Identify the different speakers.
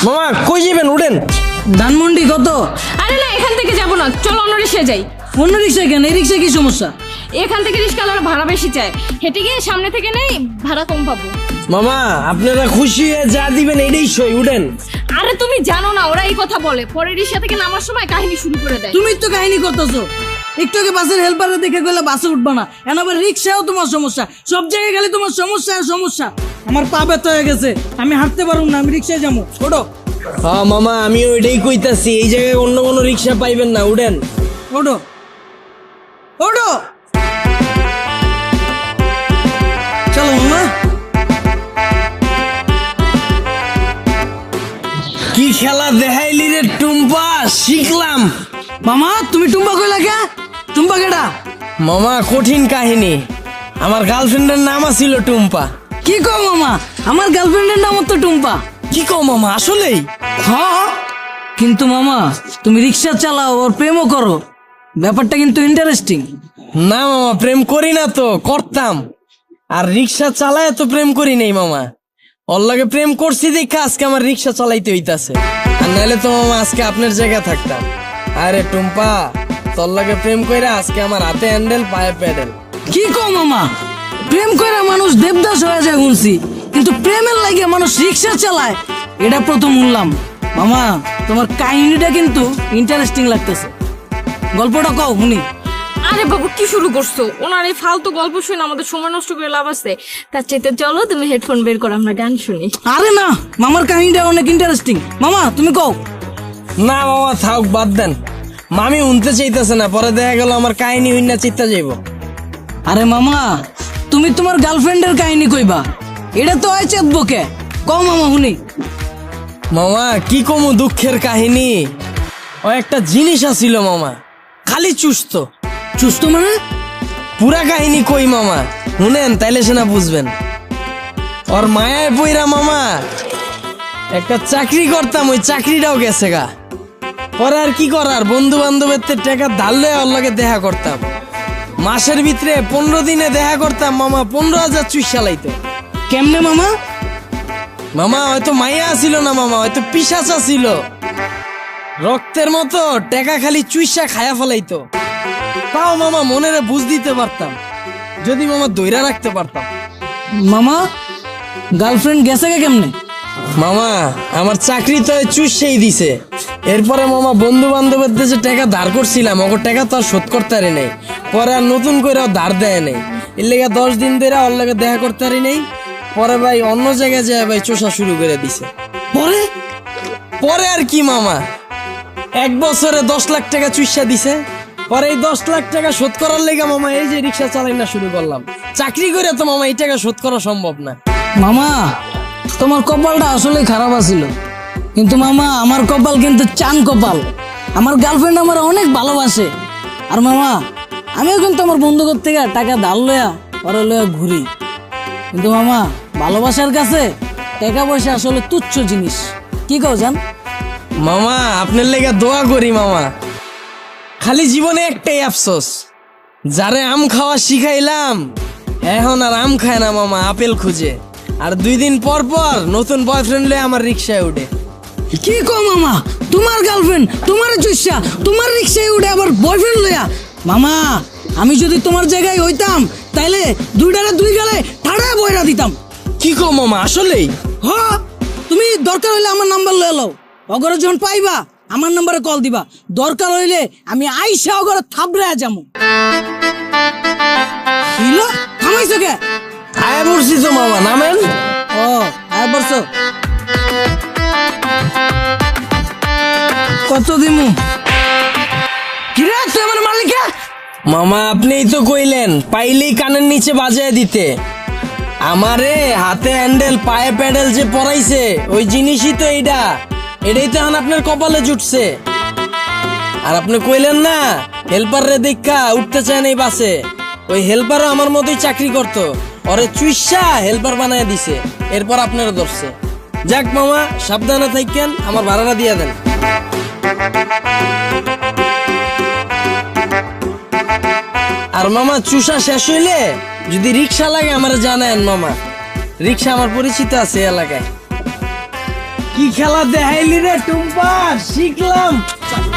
Speaker 1: মামা কই যাবেন? উঠেন।
Speaker 2: ধানমন্ডি কত?
Speaker 3: আরে না, এখান থেকে যাবো না, চলো অন্য রিক্সায় যাই।
Speaker 2: অন্য রিক্সা কেন? এই রিক্সা কি সমস্যা?
Speaker 3: এখান থেকে রিক্সাওয়ালারা ভাড়া বেশি চায়, হেঁটে গিয়ে সামনে থেকে নেই, ভাড়া কম পাবো।
Speaker 1: মামা আপনারা খুশি হয়ে যা দিবেন এটাই সই, উঠেন।
Speaker 3: আরে তুমি জানো না, ওরা এই কথা বলে, পরে রিক্সা থেকে নামার সময় কাহিনী শুরু করে দেয়।
Speaker 2: তুমি তো কাহিনী করতেছো। একটু আগে বাসের হেল্পারে দেখে গেলে বাসে উঠবা না, এখন আবার রিক্সাও তোমার সমস্যা, সব জায়গায় গেলে তোমার সমস্যা আর সমস্যা। আমার পা ব্যথা হয়ে গেছে, আমি হাঁটতে পারবো না, আমি রিক্সায় যাবো। ওঠো।
Speaker 1: হ্যাঁ মামা আমিও এটাই কইতাছি, এই জায়গায় অন্য কোনো রিক্সা পাইবেন না, উঠেন।
Speaker 2: ওঠো ওঠো, চলো মামা।
Speaker 1: কি খেলা দেখাইলি রে টুম্পা, শিখলাম।
Speaker 2: মামা তুমি টুম্পা কইলা কে? টুম্পা কেডা?
Speaker 1: মামা কঠিন কাহিনী, আমার গার্লফ্রেন্ডের নাম আছিল টুম্পা।
Speaker 2: কি কও মামা? আমার গার্লফ্রেন্ডের নাম তো টুম্পা।
Speaker 1: কি কও মামা, আসলেই?
Speaker 2: হ্যাঁ, কিন্তু মামা তুমি রিক্সা চালাও আর প্রেমও করো, ব্যাপারটা কিন্তু ইন্টারেস্টিং।
Speaker 1: না মামা প্রেম করি না তো, করতাম। আর রিক্সা চালায় তো প্রেম করি নাই মামা, ওর লাগে প্রেম করছি দেখে আজকে আমার রিক্সা চালাইতে হইতাছে, আর নাহলে তো মামা আজকে আপনার জায়গায় থাকতাম। আরে টুম্পা তোর লাগে প্রেম কইরা আজকে আমার হাতে হ্যান্ডেল পায়ে প্যাডেল।
Speaker 2: কি কও মামা? প্রেম করে মানুষ দেবদাস হয়ে যায় শুনছি, কিন্তু প্রেমের লাগে মানুষ রিক্সা চালায় এটা প্রথম শুনলাম। মামা তোমার কাহিনীটা কিন্তু ইন্টারেস্টিং লাগতেছে, গল্পটা কও শুনি।
Speaker 3: আরে বাবু কি শুরু করছো? ওনার এই ফালতু গল্প শুনে আমাদের সময় নষ্ট করে লাভ আছে, তার চাইতে চলো তুমি হেডফোন বের করো, আমরা গান শুনি।
Speaker 2: আরে না, মামার কাহিনীটা অনেক ইন্টারেস্টিং, মামা তুমি কও।
Speaker 1: না মামা থাক, বাদ দেন। মামি উনতে চাইতেছে না, পরে দেখা গেল আমার কাহিনী হইনা চিত্তা যাইব।
Speaker 2: আরে মামা তুমি তোমার গার্লফ্রেন্ডের কাহিনী কইবা, এটা তো হয় চেতবকে, কও মামা শুনি।
Speaker 1: মামা কি কমু দুঃখের কাহিনী, ও একটা জিনিস আছিল মামা, খালি চুস্ত।
Speaker 2: চুস্ত মানে?
Speaker 1: পুরা কাহিনী কই মামা, শুনেন তাইলে সেনা বুঝবেন। ওর মায়ায় পইরা মামা একটা চাকরি করতাম, ওই চাকরিটাও গেছে গা। পরে আর কি করার, বন্ধু বান্ধবের টাকা ধারলে ওর লগে দেখা করতাম, মাসের ভিতরে 15 দিনে দেখা করতাম মামা, 15,000 চুই চালাইতো।
Speaker 2: কেমনে মামা?
Speaker 1: মামা হয়তো মাইয়া ছিল না মামা, হয়তো পিশাচা ছিল, রক্তের মতো টাকা খালি চুইসা খায়া ফেলাইতো। তাও মামা মনেরে বুঝ দিতে পারতাম, যদি মামা দইরা রাখতে পারতাম।
Speaker 2: মামা গার্লফ্রেন্ড গেছে কে কেমনে?
Speaker 1: মামা আমার চাকরি তো চুষেই দিছে, এরপরে মামা বন্ধু বান্ধবের দেশে টাকা ধার করছিলাম, ওর টাকা তো আর শোধ করতে পারি নাই, পরে আর নতুন করে ধার দেয় নাই, এর লেগে 10 দিন ধরে ওর লেগে দেখা করতে পারি নাই। পরে ভাই অন্য জায়গায় যায় ভাই চোষা শুরু করে দিছে।
Speaker 2: পরে?
Speaker 1: পরে আর কি মামা, 1 বছরে 10 লাখ টাকা চুষা দিছে। পরে এই 10 লাখ টাকা শোধ করার লেগে মামা এই যে রিক্সা চালাই না শুরু করলাম। চাকরি করে তো মামা এই টাকা শোধ করা সম্ভব না।
Speaker 2: মামা তোমার কপালটা আসলে খারাপ আছিল, কিন্তু মামা আমার কপাল কিন্তু চান কপাল, আমার গার্লফ্রেন্ড আমার অনেক ভালোবাসে। আর মামা আমিও কিন্তু আমার বন্ধুদের থেকে টাকা ধার লয়া পরে লয়া ঘুরি, কিন্তু মামা ভালোবাসার কাছে টাকা পয়সা আসলে তুচ্ছ জিনিস, কি কও জান?
Speaker 1: মামা আপনার লেগে দোয়া করি মামা, খালি জীবনে একটাই আফসোস, যারে আম খাওয়া শিখাইলাম এখন আর আম খায় না মামা, আপেল খুঁজে। আর 2 দিন পর পর নতুন বয়ফ্রেন্ড লয়ে আমার রিক্সায় উঠে।
Speaker 2: কি কও মামা? তোমার গার্লফ্রেন্ড তোমার চুষা তোমার রিক্সায় উঠে আবার বয়ফ্রেন্ড লয়া? মামা আমি যদি তোমার জায়গায় হইতাম তাইলে 2টারে 2 গালে ঠাড়া বইরা দিতাম।
Speaker 1: কি কো মামা, আসলেই?
Speaker 2: হ, তুমি দরকার হইলে আমার নাম্বার লয়ে লও, অগরে যখন পাইবা আমার নাম্বারে কল দিবা, দরকার হইলে আমি আইসা অগরে থাবড়ায়া যামু। হিলো থামাইছো কে?
Speaker 1: আয়া বলছি তো মামা, নামেন।
Speaker 2: ও আয় বলছো, কত দিমু? কিরে তুই আমার মালিকা?
Speaker 1: মামা আপনিই তো কইলেন পাইলেই কানের নিচে বাজায় দিতে, আমারে হাতে হ্যান্ডেল পায়ে প্যাডেল যে পরাইছে ওই জিনিসই তো এইটা, এটাই তো এখন আপনার কপালে জুটছে। আর আপনি কইলেন না হেল্পার রে দেখা উঠতে চায় নাই বাসে, ওই হেল্পারও আমার মতোই চাকরি করতো, ওরে চুইসা হেল্পার বানায় দিছে, এরপর আপনারা ধরছে। যাক মামা সাবধানে থাকেন, আমার ভাড়াটা দিয়ে দেন। আর মামা চুষা শেষ হইলে যদি রিক্সা লাগে আমার জানায়েন মামা, রিক্সা আমার পরিচিত আছে এলাকায়। কি খেলা দেখাইলি রে টুম্পা, শিখলাম।